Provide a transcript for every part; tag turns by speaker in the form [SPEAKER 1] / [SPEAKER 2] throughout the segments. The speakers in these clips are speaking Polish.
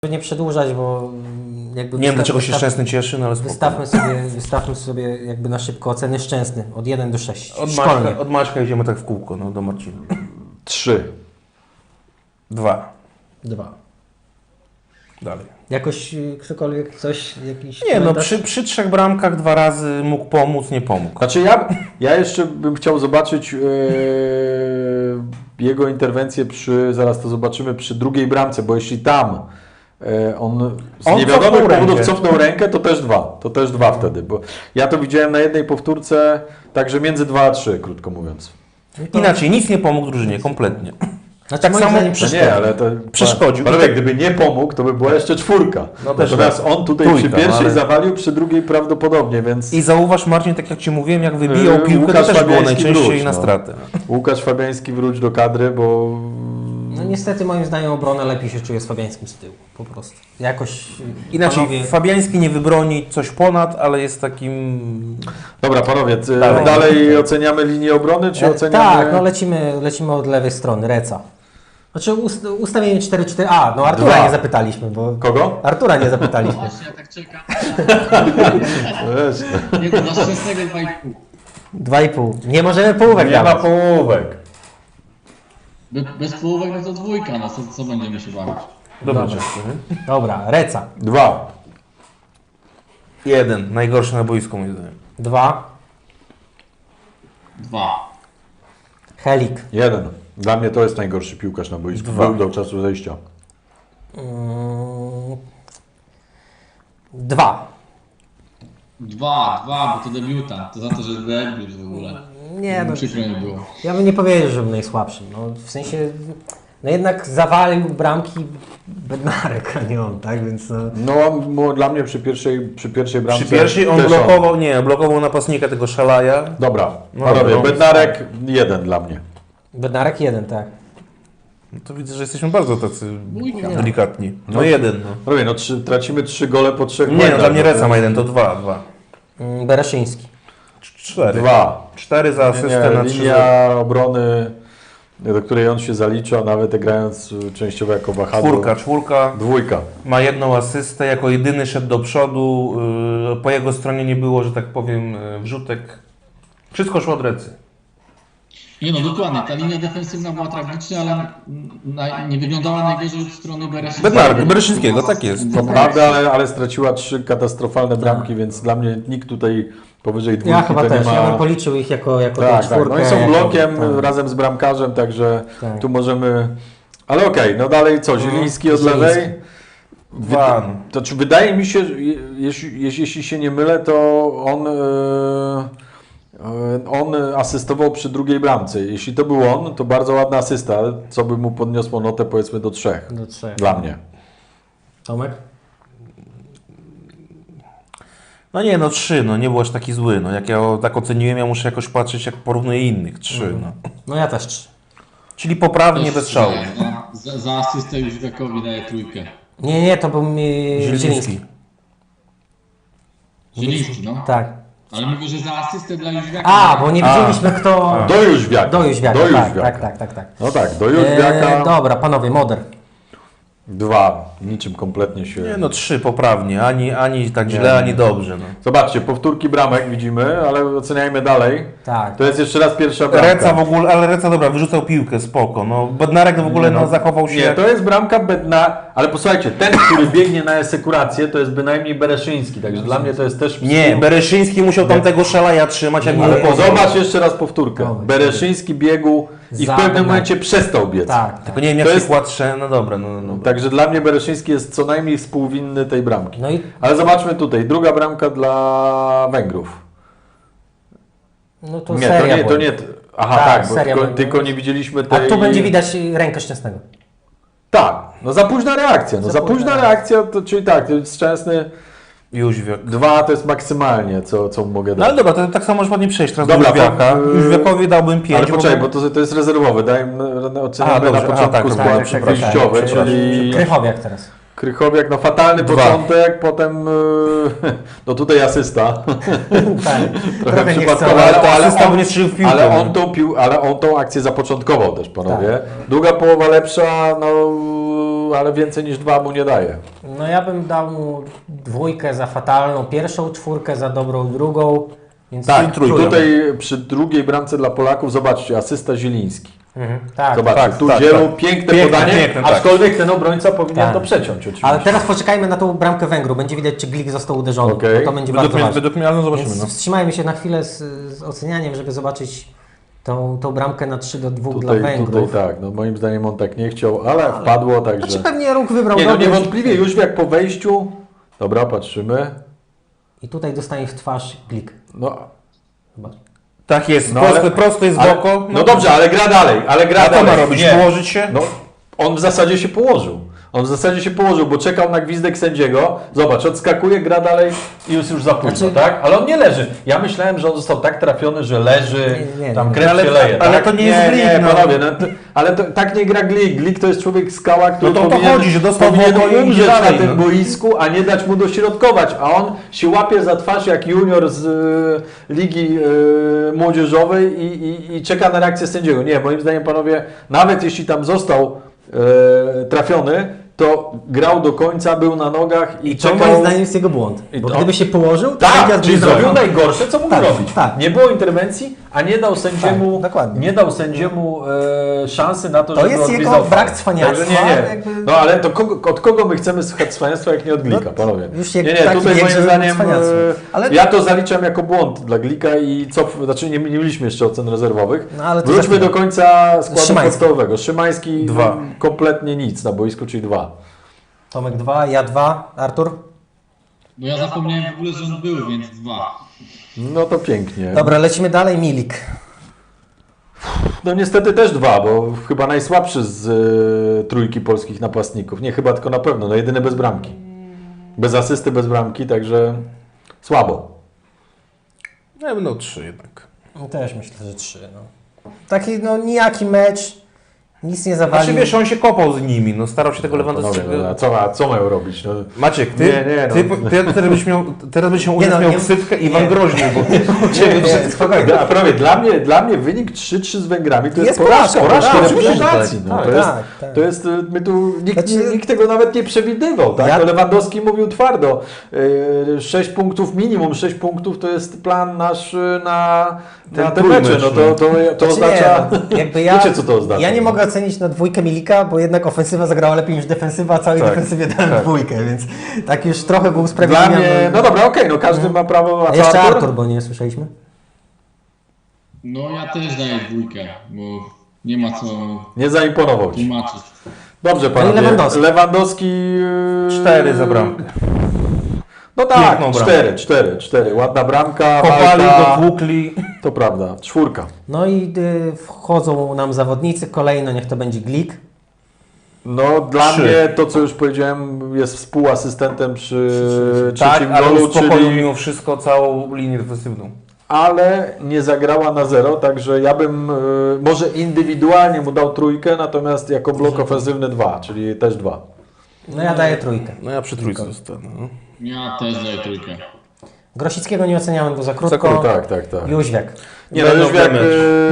[SPEAKER 1] Nie przedłużać, bo jakby...
[SPEAKER 2] Nie wiem, dlaczego się Szczęsny cieszy, no ale spoko.
[SPEAKER 1] Wystawmy sobie jakby na szybko oceny Szczęsny od 1 do 6.
[SPEAKER 2] Od Maćka idziemy tak w kółko, no do Marcina.
[SPEAKER 3] 3.
[SPEAKER 2] 2.
[SPEAKER 1] 2.
[SPEAKER 2] Dalej.
[SPEAKER 1] Jakoś ktokolwiek coś, jakiś
[SPEAKER 2] Nie, no
[SPEAKER 1] komentarz?
[SPEAKER 2] przy 3 bramkach 2 razy mógł pomóc, nie pomógł.
[SPEAKER 3] Znaczy ja jeszcze bym chciał zobaczyć jego interwencję zaraz to zobaczymy, przy drugiej bramce, bo jeśli tam on z niewiadomych powodów cofnął rękę, to też 2. To też 2 wtedy, bo ja to widziałem na jednej powtórce, także między 2 a 3, krótko mówiąc.
[SPEAKER 2] Inaczej, nic nie pomógł drużynie, kompletnie.
[SPEAKER 1] Znaczy,
[SPEAKER 2] Tak
[SPEAKER 1] moim
[SPEAKER 2] samo
[SPEAKER 1] zdaniem
[SPEAKER 3] No nie, ale to
[SPEAKER 2] przeszkodził.
[SPEAKER 3] Panowie, gdyby nie pomógł, to by była jeszcze 4.
[SPEAKER 2] No też
[SPEAKER 3] Natomiast on tutaj
[SPEAKER 2] trójka,
[SPEAKER 3] przy pierwszej
[SPEAKER 2] ale...
[SPEAKER 3] zawalił, przy drugiej prawdopodobnie, więc
[SPEAKER 2] I zauważ, Marcin, tak jak Ci mówiłem, jak wybijał piłkę,
[SPEAKER 3] Łukasz
[SPEAKER 2] to też było
[SPEAKER 3] Fabiański
[SPEAKER 2] najczęściej
[SPEAKER 3] wróć,
[SPEAKER 2] na
[SPEAKER 3] no.
[SPEAKER 2] stratę.
[SPEAKER 3] Łukasz Fabiański wróć do kadry, bo
[SPEAKER 1] No niestety moim zdaniem obrona lepiej się czuje z Fabiańskim z tyłu, po prostu. Jakoś
[SPEAKER 2] Inaczej,
[SPEAKER 1] panowie...
[SPEAKER 2] Fabiański nie wybroni coś ponad, ale jest takim...
[SPEAKER 3] Dobra, panowie, dalej oceniamy linię obrony, czy oceniamy...
[SPEAKER 1] Tak, no lecimy od lewej strony, Reca. Znaczy ustawienie 4-4... A, no Artura
[SPEAKER 3] 2.
[SPEAKER 1] nie zapytaliśmy, bo...
[SPEAKER 3] Kogo?
[SPEAKER 1] Artura nie zapytaliśmy.
[SPEAKER 4] Właśnie, ja tak czekam.
[SPEAKER 3] Weź.
[SPEAKER 4] Nie, to dla Szczęsnego 2,5.
[SPEAKER 1] 2,5. Nie możemy połówek
[SPEAKER 3] Nie ma
[SPEAKER 1] dawać.
[SPEAKER 3] połówek.
[SPEAKER 4] Bez połówek no to 2, no co będziemy się bawić?
[SPEAKER 2] Dobra.
[SPEAKER 1] Dobra, Reca.
[SPEAKER 3] 2.
[SPEAKER 2] 1, najgorszy na boisku moim zdaniem.
[SPEAKER 1] 2.
[SPEAKER 4] 2.
[SPEAKER 1] Helik.
[SPEAKER 3] 1. Dla mnie to jest najgorszy piłkarz na boisku.
[SPEAKER 2] 2.
[SPEAKER 3] Był do czasu zejścia.
[SPEAKER 1] 2.
[SPEAKER 4] 2, bo to debiutant. To za to, że debiut w ogóle.
[SPEAKER 1] Nie, no,
[SPEAKER 4] Przykro nie było.
[SPEAKER 1] ja bym nie powiedział, że był najsłabszym. No, w sensie, no jednak zawalił bramki Bednarek, a nie on, tak? Więc no...
[SPEAKER 3] No, dla mnie przy pierwszej bramce...
[SPEAKER 2] Przy pierwszej on
[SPEAKER 3] też
[SPEAKER 2] blokował napastnika tego Szalaja.
[SPEAKER 3] Dobra,
[SPEAKER 2] No
[SPEAKER 3] panowie,
[SPEAKER 2] dobra, no.
[SPEAKER 3] Bednarek 1 dla mnie.
[SPEAKER 1] Bednarek 1, tak.
[SPEAKER 2] No to widzę, że jesteśmy bardzo tacy
[SPEAKER 4] Dwójka.
[SPEAKER 2] delikatni. No 1, no.
[SPEAKER 3] Panowie, no tracimy 3 gole po 3
[SPEAKER 2] Nie, no dla mnie Reca ma 1, to 2.
[SPEAKER 1] Bereszyński.
[SPEAKER 2] 4.
[SPEAKER 3] 2.
[SPEAKER 2] 4 za asystę na 3.
[SPEAKER 3] Linia obrony, do której on się zalicza, nawet grając częściowo jako wahadło.
[SPEAKER 2] 4.
[SPEAKER 3] 2.
[SPEAKER 2] Ma 1 asystę, jako jedyny szedł do przodu. Po jego stronie nie było, że tak powiem, wrzutek. Wszystko szło od Recy.
[SPEAKER 4] Nie no, dokładnie. Ta linia defensywna była tragiczna, ale nie wyglądała najgorzej od strony
[SPEAKER 2] Bereszyńskiego, tak jest.
[SPEAKER 3] To prawda, ale straciła 3 katastrofalne bramki, więc dla mnie nikt tutaj powyżej 2
[SPEAKER 1] Ja chyba
[SPEAKER 3] to
[SPEAKER 1] też,
[SPEAKER 3] nie ma...
[SPEAKER 1] ja bym policzył ich jako
[SPEAKER 3] Tak,
[SPEAKER 1] tą
[SPEAKER 3] tak.
[SPEAKER 1] czwórkę.
[SPEAKER 3] No i są blokiem
[SPEAKER 1] tak.
[SPEAKER 3] razem z bramkarzem, także
[SPEAKER 1] Tak.
[SPEAKER 3] tu możemy... Ale okej, no dalej co, Zieliński od
[SPEAKER 1] Zieliński.
[SPEAKER 3] lewej?
[SPEAKER 2] 2.
[SPEAKER 3] To czy wydaje mi się, że jeśli się nie mylę, to on asystował przy drugiej bramce. Jeśli to był on, to bardzo ładna asysta, co by mu podniosło notę powiedzmy do 3.
[SPEAKER 1] Do 3.
[SPEAKER 3] Dla mnie.
[SPEAKER 1] Tomek?
[SPEAKER 2] No nie, no 3, no nie był aż taki zły. No jak ja tak oceniłem, ja muszę jakoś patrzeć, jak porównuję innych. 3, no.
[SPEAKER 1] No ja też 3.
[SPEAKER 2] Czyli poprawnie, bez szału.
[SPEAKER 4] Za asystę Jóźwiakowi daję 3.
[SPEAKER 1] Nie, to był Zieliński.
[SPEAKER 2] Zieliński.
[SPEAKER 4] Zieliński, no.
[SPEAKER 1] Tak.
[SPEAKER 4] Ale mówię, że za asystę dla Jóźwiaka.
[SPEAKER 1] A, bo nie widzieliśmy kto...
[SPEAKER 3] Do Jóźwiaka.
[SPEAKER 1] Do Jóźwiaka,
[SPEAKER 3] Do
[SPEAKER 1] tak,
[SPEAKER 3] Jóźwiaka.
[SPEAKER 1] tak.
[SPEAKER 3] No tak, do Jóźwiaka.
[SPEAKER 1] Dobra, panowie, Moder.
[SPEAKER 3] 2. Niczym kompletnie się...
[SPEAKER 2] Nie, no 3 poprawnie. Ani tak źle, ani dobrze. No.
[SPEAKER 3] Zobaczcie, powtórki bramek widzimy, ale oceniajmy dalej.
[SPEAKER 1] Tak.
[SPEAKER 3] To jest jeszcze raz pierwsza bramka.
[SPEAKER 2] Reca w ogóle, ale Reca dobra, wyrzucał piłkę, spoko. No, Bednarek w ogóle no, zachował się...
[SPEAKER 3] Nie, to jest bramka ale posłuchajcie, ten, który biegnie na esekurację, to jest bynajmniej Bereszyński, także dla mnie to jest też...
[SPEAKER 2] Nie, Bereszyński musiał tam tego Szalaja trzymać, jak
[SPEAKER 3] Ale
[SPEAKER 2] był
[SPEAKER 3] zobacz jeszcze raz powtórkę.
[SPEAKER 1] Dobra.
[SPEAKER 3] Bereszyński biegł i w
[SPEAKER 1] Za
[SPEAKER 3] pewnym
[SPEAKER 1] Bednarek.
[SPEAKER 3] momencie przestał biec.
[SPEAKER 1] Tak.
[SPEAKER 2] Tylko nie wiem,
[SPEAKER 3] To
[SPEAKER 2] jak się
[SPEAKER 3] jest-
[SPEAKER 2] kładrze, no dobra, no.
[SPEAKER 3] Także dla mnie Bereszyński jest co najmniej współwinny tej bramki.
[SPEAKER 1] No i
[SPEAKER 3] Ale zobaczmy tutaj, druga bramka dla Węgrów.
[SPEAKER 1] no to
[SPEAKER 3] Nie,
[SPEAKER 1] seria
[SPEAKER 3] to
[SPEAKER 1] była.
[SPEAKER 3] nie. Aha,
[SPEAKER 1] Tak,
[SPEAKER 3] tak, bo
[SPEAKER 1] seria
[SPEAKER 3] tylko
[SPEAKER 1] była.
[SPEAKER 3] nie widzieliśmy
[SPEAKER 1] A
[SPEAKER 3] tej...
[SPEAKER 1] tu będzie widać rękę Szczęsnego.
[SPEAKER 3] Tak, no za późna reakcja. No za późna reakcja, to, czyli tak, to jest Szczęsny
[SPEAKER 2] Jóźwiak.
[SPEAKER 3] 2 to jest maksymalnie, co mogę
[SPEAKER 2] No
[SPEAKER 3] dać.
[SPEAKER 2] ale dobra, to tak samo można ładnie przejść teraz
[SPEAKER 3] Dobra,
[SPEAKER 2] do Jóźwiaka.
[SPEAKER 3] to,
[SPEAKER 2] Jóźwiakowi dałbym 5.
[SPEAKER 3] Ale poczekaj, bo to jest rezerwowy, oceniamy
[SPEAKER 2] dobrze,
[SPEAKER 3] na początku
[SPEAKER 2] tak,
[SPEAKER 3] skład
[SPEAKER 2] tak,
[SPEAKER 3] wyjściowy,
[SPEAKER 2] tak,
[SPEAKER 3] czyli
[SPEAKER 1] Krychowiak teraz.
[SPEAKER 3] Krychowiak, no fatalny
[SPEAKER 2] 2.
[SPEAKER 3] początek, potem no tutaj asysta.
[SPEAKER 1] Tak.
[SPEAKER 3] Trochę
[SPEAKER 1] nie
[SPEAKER 3] przypadkowo,
[SPEAKER 1] chcę,
[SPEAKER 2] ale asysta, bo nie strzelił w piłkę,
[SPEAKER 3] ale on tą akcję zapoczątkował też, panowie.
[SPEAKER 1] Tak.
[SPEAKER 3] Druga połowa lepsza, no ale więcej niż 2 mu nie daje.
[SPEAKER 1] No ja bym dał mu 2 za fatalną pierwszą, 4 za dobrą drugą. Więc
[SPEAKER 3] Tak,
[SPEAKER 2] trójkę.
[SPEAKER 3] tutaj przy drugiej bramce dla Polaków, zobaczcie, asysta Zieliński.
[SPEAKER 1] Tak.
[SPEAKER 3] Zobaczcie,
[SPEAKER 2] tak,
[SPEAKER 3] tu
[SPEAKER 2] tak,
[SPEAKER 3] Zielu,
[SPEAKER 2] tak.
[SPEAKER 3] piękne
[SPEAKER 2] Piękne,
[SPEAKER 3] podanie,
[SPEAKER 2] piękne, tak.
[SPEAKER 3] aczkolwiek ten obrońca powinien
[SPEAKER 1] Tak.
[SPEAKER 3] to przeciąć oczywiście.
[SPEAKER 1] Ale teraz poczekajmy na tą bramkę Węgru. Będzie widać, czy Glik został uderzony.
[SPEAKER 3] Okej.
[SPEAKER 1] Bo to będzie bardzo ważne.
[SPEAKER 2] Według mnie, ale no zobaczymy.
[SPEAKER 1] Więc
[SPEAKER 2] No.
[SPEAKER 1] wstrzymajmy się na chwilę z ocenianiem, żeby zobaczyć tą bramkę na 3-2 dla
[SPEAKER 3] Tutaj
[SPEAKER 1] Węgrów.
[SPEAKER 3] tak, no moim zdaniem on tak nie chciał, ale wpadło, także...
[SPEAKER 1] Znaczy pewnie ruch wybrał
[SPEAKER 3] Nie, no
[SPEAKER 1] dobry.
[SPEAKER 3] niewątpliwie już jak po wejściu... Dobra, patrzymy.
[SPEAKER 1] I tutaj dostanie w twarz Glik.
[SPEAKER 3] No,
[SPEAKER 1] Zobacz.
[SPEAKER 2] Tak jest,
[SPEAKER 3] No,
[SPEAKER 2] prosto jest w
[SPEAKER 3] ale,
[SPEAKER 2] oko.
[SPEAKER 3] no dobrze, ale gra dalej,
[SPEAKER 2] A co ma robić?
[SPEAKER 3] Nie.
[SPEAKER 2] Położyć się?
[SPEAKER 3] No, on w zasadzie się położył. Bo czekał na gwizdek sędziego. Zobacz, odskakuje, gra dalej i już za późno,
[SPEAKER 1] Znaczy-
[SPEAKER 3] tak? Ale on nie leży. Ja myślałem, że on został tak trafiony, że leży,
[SPEAKER 1] Nie,
[SPEAKER 3] tam
[SPEAKER 1] nie.
[SPEAKER 3] krew
[SPEAKER 2] Ale-
[SPEAKER 3] się leje.
[SPEAKER 2] ale
[SPEAKER 3] tak?
[SPEAKER 2] to nie jest Glik,
[SPEAKER 3] Nie,
[SPEAKER 2] no.
[SPEAKER 3] panowie, ale tak nie gra Glik. Glik to jest człowiek skała, który
[SPEAKER 2] No to o to
[SPEAKER 3] powinien,
[SPEAKER 2] chodzi, że dostał w
[SPEAKER 3] powinien
[SPEAKER 2] oko i idzie
[SPEAKER 3] umrzeć
[SPEAKER 2] dalej,
[SPEAKER 3] na tym
[SPEAKER 2] no.
[SPEAKER 3] boisku, a nie dać mu dośrodkować. A on się łapie za twarz jak junior z ligi młodzieżowej i czeka na reakcję sędziego. Nie, moim zdaniem, panowie, nawet jeśli tam został trafiony, to grał do końca, był na nogach i
[SPEAKER 1] To
[SPEAKER 3] czekał.
[SPEAKER 1] moim zdaniem jest jego błąd.
[SPEAKER 3] I
[SPEAKER 1] Bo
[SPEAKER 3] to-
[SPEAKER 1] gdyby się położył, to
[SPEAKER 3] Tak,
[SPEAKER 1] sędzia
[SPEAKER 3] czyli
[SPEAKER 1] by
[SPEAKER 3] zrobił najgorsze, co mógł
[SPEAKER 1] Tak,
[SPEAKER 3] robić.
[SPEAKER 1] tak.
[SPEAKER 3] Nie było interwencji, a nie dał sędziemu,
[SPEAKER 1] Tak, dokładnie.
[SPEAKER 3] nie dał sędziemu szansy na to,
[SPEAKER 1] To
[SPEAKER 3] żeby
[SPEAKER 1] jest
[SPEAKER 3] odgwizdał
[SPEAKER 1] jego
[SPEAKER 3] faul.
[SPEAKER 1] brak cwaniactwa,
[SPEAKER 3] Także nie.
[SPEAKER 1] jakby-
[SPEAKER 3] No ale to od kogo my chcemy słuchać cwaniactwa, jak nie od Glika, panowie?
[SPEAKER 1] już jak
[SPEAKER 3] nie,
[SPEAKER 1] taki
[SPEAKER 3] tutaj
[SPEAKER 1] wiek,
[SPEAKER 3] moim
[SPEAKER 1] żeby
[SPEAKER 3] zdaniem
[SPEAKER 1] cwaniactwo. Ale-
[SPEAKER 3] ja to zaliczam jako błąd dla Glika i znaczy nie mieliśmy jeszcze ocen rezerwowych.
[SPEAKER 1] No, ale to za
[SPEAKER 3] Wróćmy
[SPEAKER 1] chwilę.
[SPEAKER 3] do końca składu
[SPEAKER 1] Szymański.
[SPEAKER 3] podstawowego. Szymański
[SPEAKER 2] 2.
[SPEAKER 3] kompletnie nic na boisku, czyli 2.
[SPEAKER 1] Tomek 2, ja 2, Artur?
[SPEAKER 4] Bo ja zapomniałem w ogóle, że on był, więc 2.
[SPEAKER 3] No to pięknie.
[SPEAKER 1] Dobra, lecimy dalej, Milik.
[SPEAKER 3] No niestety też 2, bo chyba najsłabszy z trójki polskich napastników. Nie chyba, tylko na pewno. No jedyny bez bramki. Bez asysty, bez bramki, także słabo.
[SPEAKER 2] Ja bym dał 3 jednak.
[SPEAKER 1] Też myślę, że 3. No. Taki nijaki mecz, nic nie zawalił.
[SPEAKER 2] Znaczy wiesz, on się kopał z nimi, no starał się tego
[SPEAKER 3] Panowie,
[SPEAKER 2] Lewandowskiego.
[SPEAKER 3] no, a co mają robić? No,
[SPEAKER 2] Maciek, ty,
[SPEAKER 3] Nie, no.
[SPEAKER 2] ty teraz byś miał,
[SPEAKER 1] no,
[SPEAKER 2] miał
[SPEAKER 1] nie-
[SPEAKER 2] ksywkę
[SPEAKER 1] nie.
[SPEAKER 2] Iwan Groźny, bo
[SPEAKER 1] spokojnie.
[SPEAKER 3] a prawie dla mnie wynik 3-3 z Węgrami to jest
[SPEAKER 1] Jest
[SPEAKER 3] porażka
[SPEAKER 1] porażka, tak,
[SPEAKER 3] reprezentacji.
[SPEAKER 2] oczywiście,
[SPEAKER 3] No,
[SPEAKER 2] tak,
[SPEAKER 3] to jest,
[SPEAKER 1] tak.
[SPEAKER 3] to jest, my tu,
[SPEAKER 1] Znaczy-
[SPEAKER 3] nikt tego nawet nie przewidywał. Tak?
[SPEAKER 1] Ja-
[SPEAKER 3] To Lewandowski mówił twardo. 6 punktów minimum, 6 punktów to jest plan nasz na te
[SPEAKER 2] trójmecz,
[SPEAKER 3] mecze. No to
[SPEAKER 1] Znaczy
[SPEAKER 3] oznacza...
[SPEAKER 1] nie, no, jakby
[SPEAKER 3] Wiecie, co to oznacza?
[SPEAKER 1] Ja nie mogę ocenić na 2 Milika, bo jednak ofensywa zagrała lepiej niż defensywa, a całej defensywie dałem 2, więc tak już trochę był
[SPEAKER 3] Dla
[SPEAKER 1] usprawiedliwiony.
[SPEAKER 3] mnie, no dobra, okej, no każdy ma prawo,
[SPEAKER 1] A
[SPEAKER 3] co
[SPEAKER 1] jeszcze Artur, bo nie słyszeliśmy.
[SPEAKER 4] No ja też daję 2, bo nie ma co
[SPEAKER 3] Nie zaimponował ci.
[SPEAKER 4] tłumaczyć.
[SPEAKER 3] Dobrze, panowie.
[SPEAKER 1] Lewandowski.
[SPEAKER 3] Lewandowski
[SPEAKER 2] 4 za bramkę.
[SPEAKER 3] No tak,
[SPEAKER 2] Piękną bramkę.
[SPEAKER 3] 4. Ładna bramka,
[SPEAKER 2] Kopali,
[SPEAKER 3] walka.
[SPEAKER 2] dotłukli.
[SPEAKER 3] To prawda, 4.
[SPEAKER 1] No i wchodzą nam zawodnicy, kolejno niech to będzie Glik.
[SPEAKER 3] No dla
[SPEAKER 2] 3.
[SPEAKER 3] mnie to, co już powiedziałem, jest współasystentem przy
[SPEAKER 2] Tak,
[SPEAKER 3] trzecim
[SPEAKER 2] ale
[SPEAKER 3] golu,
[SPEAKER 2] uspokoił
[SPEAKER 3] czyli...
[SPEAKER 2] mimo wszystko całą linię defensywną.
[SPEAKER 3] Ale nie zagrała na 0, także ja bym może indywidualnie mu dał 3, natomiast jako blok ofensywny 2, czyli też 2.
[SPEAKER 1] No ja daję 3.
[SPEAKER 2] No ja przy trójce zostanę. No.
[SPEAKER 4] Ja też daję 3.
[SPEAKER 1] Grosickiego nie oceniałem, bo za krótko.
[SPEAKER 3] Tak.
[SPEAKER 1] Jóźwiak.
[SPEAKER 3] Nie, no
[SPEAKER 2] Będą
[SPEAKER 3] już jak
[SPEAKER 2] mecz.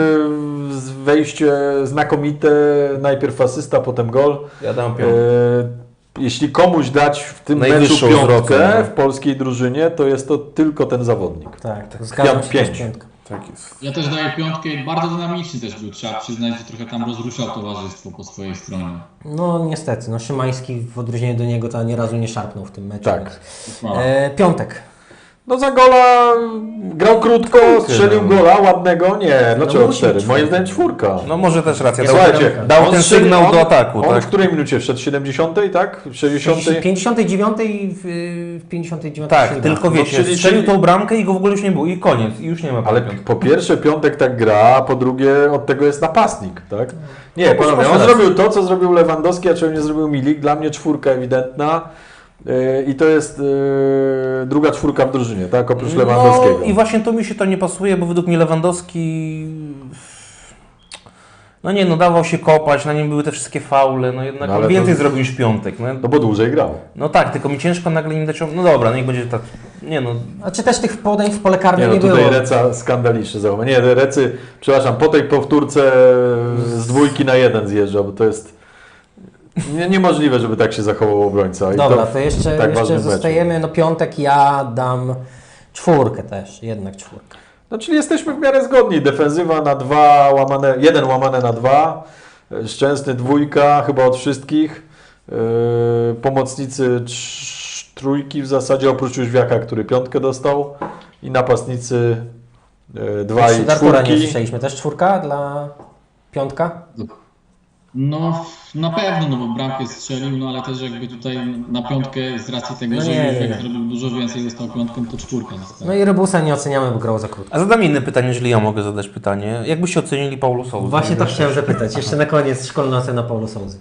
[SPEAKER 3] wejście znakomite, najpierw asysta, potem gol.
[SPEAKER 2] Ja dam
[SPEAKER 3] E,
[SPEAKER 2] piątkę.
[SPEAKER 3] Jeśli komuś dać w tym meczu
[SPEAKER 2] Najwyższą
[SPEAKER 3] piątkę
[SPEAKER 2] zwrotkę, no.
[SPEAKER 3] w polskiej drużynie, to jest to tylko ten zawodnik.
[SPEAKER 1] Tak, zgadzam się,
[SPEAKER 3] 5.
[SPEAKER 1] też 5.
[SPEAKER 2] Tak jest.
[SPEAKER 4] Ja też daję 5 i bardzo dynamiczny też był. Trzeba przyznać, że trochę tam rozruszał towarzystwo po swojej stronie.
[SPEAKER 1] No niestety, no Szymański w odróżnieniu do niego to ani razu nie szarpnął w tym meczu.
[SPEAKER 3] Tak.
[SPEAKER 1] więc-
[SPEAKER 4] Chwała.
[SPEAKER 1] Piątek.
[SPEAKER 3] No za gola grał krótko, strzelił
[SPEAKER 2] no.
[SPEAKER 3] gola ładnego, nie, dlaczego
[SPEAKER 1] musi
[SPEAKER 3] 4?
[SPEAKER 1] być
[SPEAKER 3] Moim
[SPEAKER 1] 4.
[SPEAKER 3] zdaniem 4.
[SPEAKER 2] No może też racja.
[SPEAKER 3] Słuchajcie,
[SPEAKER 2] dał
[SPEAKER 3] on
[SPEAKER 2] ten
[SPEAKER 3] strzelił-
[SPEAKER 2] sygnał do ataku,
[SPEAKER 3] On
[SPEAKER 2] tak?
[SPEAKER 3] w której minucie wszedł? 70, tak? 60?
[SPEAKER 1] 59 i w 59
[SPEAKER 2] Tak,
[SPEAKER 1] strzelił
[SPEAKER 2] tylko
[SPEAKER 1] bramkę.
[SPEAKER 2] wiecie,
[SPEAKER 3] czyli-
[SPEAKER 2] strzelił tą bramkę i go w ogóle już nie było. I koniec, i już nie ma
[SPEAKER 3] Ale
[SPEAKER 2] piątki.
[SPEAKER 3] po pierwsze Piątek tak gra, a po drugie od tego jest napastnik, tak? Nie, panowie,
[SPEAKER 2] masz
[SPEAKER 3] on
[SPEAKER 2] rację.
[SPEAKER 3] zrobił to, co zrobił Lewandowski, a czego nie zrobił Milik. Dla mnie 4 ewidentna i to jest druga 4 w drużynie, tak? Oprócz Lewandowskiego.
[SPEAKER 2] No i właśnie to mi się to nie pasuje, bo według mnie Lewandowski... No nie, no dawał się kopać, na nim były te wszystkie faule, no jednak
[SPEAKER 3] No ale
[SPEAKER 2] on więcej
[SPEAKER 3] to-
[SPEAKER 2] zrobił niż Piątek. No,
[SPEAKER 3] No bo dłużej grał.
[SPEAKER 2] no tak, tylko mi ciężko nagle nim dać... No dobra, niech będzie tak... Nie no,
[SPEAKER 1] A czy też tych podań w pole karne
[SPEAKER 3] Nie,
[SPEAKER 1] nie,
[SPEAKER 3] no tutaj
[SPEAKER 1] było?
[SPEAKER 3] Reca skandaliczny zachowanie. Nie, Recy, przepraszam, po tej powtórce z 2 na 1 zjeżdża, bo to jest... Niemożliwe, żeby tak się zachował obrońca. I
[SPEAKER 1] Dobra, to jeszcze,
[SPEAKER 3] tak ważnym
[SPEAKER 1] jeszcze
[SPEAKER 3] meczu.
[SPEAKER 1] zostajemy, no piątek ja dam 4 też, jednak 4.
[SPEAKER 3] No czyli jesteśmy w miarę zgodni. Defensywa na 2 łamane, 1 łamane na 2. Szczęsny 2 chyba od wszystkich. Pomocnicy 3 w zasadzie, oprócz Jóźwiaka, który 5 dostał. I napastnicy 2 i
[SPEAKER 1] Artura nie
[SPEAKER 3] 4.
[SPEAKER 1] słyszeliśmy, też 4 dla piątka?
[SPEAKER 4] No na pewno, no bo bramkę strzelił, no ale też jakby tutaj na piątkę z racji tego,
[SPEAKER 1] No
[SPEAKER 4] że
[SPEAKER 1] nie,
[SPEAKER 4] Jóźwiak
[SPEAKER 1] nie.
[SPEAKER 4] zrobił dużo więcej, dostał piątką, to 4.
[SPEAKER 1] No i Rybusa nie oceniamy, bo grał za krótko.
[SPEAKER 2] A zadam inne pytanie, jeżeli ja mogę zadać pytanie. Jak byście ocenili Paulo Sousę?
[SPEAKER 1] Właśnie to chciałem zapytać. Jeszcze na koniec szkolna ocena Paulo Souzy.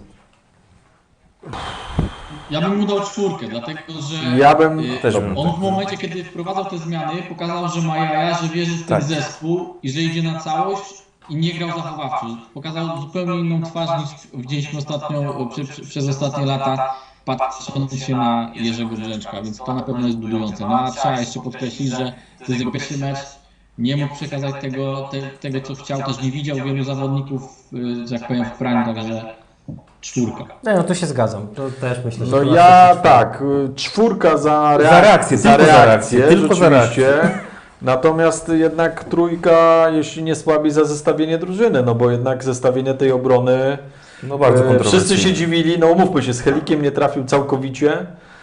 [SPEAKER 4] Ja bym mu dał 4, dlatego że
[SPEAKER 3] Ja bym
[SPEAKER 2] też bym.
[SPEAKER 4] on w momencie, kiedy wprowadzał te zmiany, pokazał, że ma jaja, że wierzy w ten
[SPEAKER 2] Tak.
[SPEAKER 4] zespół i że idzie na całość i nie grał zachowawczo. Pokazał zupełnie inną twarz niż widzieliśmy ostatnio, przez ostatnie lata, patrząc się na Jerzego Brzęczka, więc to na pewno jest budujące. No a trzeba jeszcze podkreślić, że to jest jego pierwszy mecz, nie mógł przekazać tego co chciał, też nie widział wielu zawodników, że tak powiem, w prime, także 4.
[SPEAKER 1] No tu się zgadzam. To też myślę, że
[SPEAKER 3] No
[SPEAKER 1] chyba
[SPEAKER 3] ja
[SPEAKER 1] wszyscy 4.
[SPEAKER 3] tak, 4 za
[SPEAKER 2] reakcję, tylko za reakcję, tylko za
[SPEAKER 3] rzeczywiście. Natomiast jednak 3, jeśli nie słabiej, za zestawienie drużyny, no bo jednak zestawienie tej obrony,
[SPEAKER 2] No bardzo kontrowersyjne.
[SPEAKER 3] wszyscy się dziwili, no umówmy się, z Helikiem nie trafił całkowicie,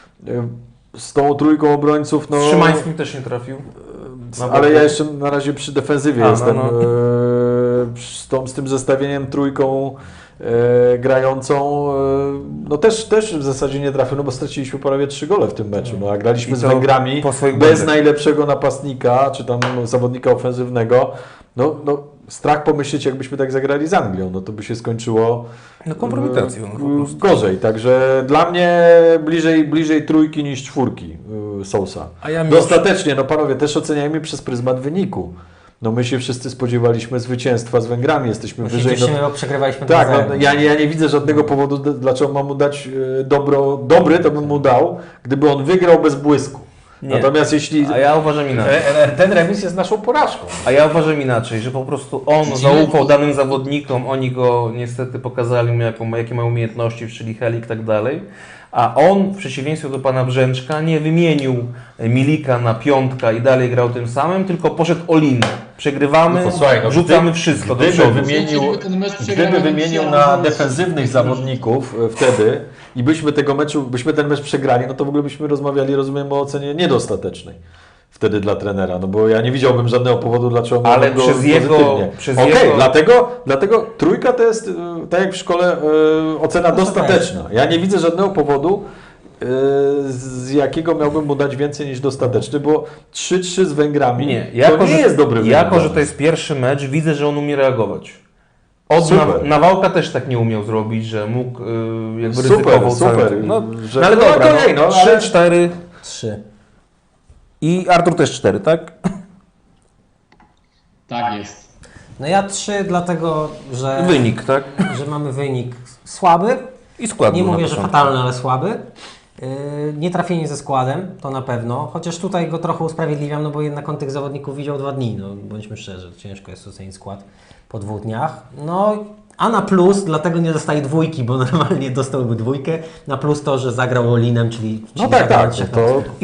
[SPEAKER 3] z tą 3 obrońców, no...
[SPEAKER 2] Z Szymańskim też nie trafił. Na
[SPEAKER 3] Ale
[SPEAKER 2] boku.
[SPEAKER 3] ja jeszcze na razie przy defensywie
[SPEAKER 2] A, no,
[SPEAKER 3] jestem,
[SPEAKER 2] no.
[SPEAKER 3] z tym zestawieniem 3 grającą, no też w zasadzie nie trafił, no bo straciliśmy prawie 3 gole w tym meczu, no a graliśmy
[SPEAKER 2] I
[SPEAKER 3] z
[SPEAKER 2] to
[SPEAKER 3] Węgrami
[SPEAKER 2] po swoich
[SPEAKER 3] bez
[SPEAKER 2] błędach.
[SPEAKER 3] najlepszego napastnika, czy tam zawodnika ofensywnego, no strach pomyśleć, jakbyśmy tak zagrali z Anglią, no to by się skończyło
[SPEAKER 2] No kompromitacją, no po prostu.
[SPEAKER 3] gorzej, także dla mnie bliżej 3 niż 4 Sousa.
[SPEAKER 2] A ja mimo
[SPEAKER 3] Dostatecznie, no panowie, też oceniajmy przez pryzmat wyniku. No my się wszyscy spodziewaliśmy zwycięstwa z Węgrami, jesteśmy
[SPEAKER 1] My się
[SPEAKER 3] wyżej.
[SPEAKER 1] cieszymy, bo przegrywaliśmy
[SPEAKER 3] Tak,
[SPEAKER 1] 2-0.
[SPEAKER 3] no, ja nie widzę żadnego powodu, dlaczego mam mu dać dobry, to bym mu dał, gdyby on wygrał bez błysku.
[SPEAKER 2] Nie.
[SPEAKER 3] Natomiast jeśli...
[SPEAKER 2] A ja uważam inaczej.
[SPEAKER 3] Ten remis jest naszą porażką.
[SPEAKER 2] A ja uważam inaczej, że po prostu on zaufał danym zawodnikom, oni go niestety pokazali mu, jakie mają umiejętności, czyli Helik i tak dalej. A on w przeciwieństwie do pana Brzęczka nie wymienił Milika na 5 i dalej grał tym samym, tylko poszedł all-in. Przegrywamy,
[SPEAKER 3] No to słuchaj, no
[SPEAKER 2] rzucamy wszystko do przodu.
[SPEAKER 3] Gdyby wymienił na defensywnych zawodników wtedy i byśmy ten mecz przegrali, no to w ogóle byśmy rozmawiali, rozumiem, o ocenie niedostatecznej wtedy dla trenera, no bo ja nie widziałbym żadnego powodu, dlaczego
[SPEAKER 2] Ale
[SPEAKER 3] go
[SPEAKER 2] przez jego-
[SPEAKER 3] pozytywnie.
[SPEAKER 2] przez
[SPEAKER 3] Okej,
[SPEAKER 2] jego-
[SPEAKER 3] dlatego 3 to jest, tak jak w szkole, ocena dostateczna. Ja nie widzę żadnego powodu, z jakiego miałbym mu dać więcej niż dostateczny, bo 3-3 z Węgrami
[SPEAKER 2] Nie,
[SPEAKER 3] to nie jest dobry wynik.
[SPEAKER 2] Jako, że to jest pierwszy mecz, widzę, że on umie reagować.
[SPEAKER 3] Super.
[SPEAKER 2] Nawałka też tak nie umiał zrobić, że mógł jakby
[SPEAKER 3] Super,
[SPEAKER 2] ryzykował
[SPEAKER 3] super.
[SPEAKER 2] cały no,
[SPEAKER 3] Że-
[SPEAKER 2] no ale
[SPEAKER 3] no
[SPEAKER 2] dobra,
[SPEAKER 3] okej, no,
[SPEAKER 2] 3,
[SPEAKER 3] ale-
[SPEAKER 2] 4
[SPEAKER 1] 3.
[SPEAKER 2] i Artur też 4, tak?
[SPEAKER 4] Tak jest.
[SPEAKER 1] No ja 3, dlatego, że,
[SPEAKER 2] Wynik, tak?
[SPEAKER 1] że mamy wynik słaby.
[SPEAKER 2] I skład
[SPEAKER 1] Nie
[SPEAKER 2] był na
[SPEAKER 1] mówię, że
[SPEAKER 2] początku.
[SPEAKER 1] fatalny, ale słaby. Nie trafienie ze składem, to na pewno. Chociaż tutaj go trochę usprawiedliwiam, no bo jednak on tych zawodników widział 2 dni. No, bądźmy szczerzy, ciężko jest ocenić skład po 2 dniach. No, a na plus, dlatego nie dostaje 2, bo normalnie dostałby 2. Na plus to, że zagrał Olinem, czyli
[SPEAKER 3] No tak,
[SPEAKER 1] zagrał
[SPEAKER 3] tak.
[SPEAKER 1] trzech
[SPEAKER 3] To,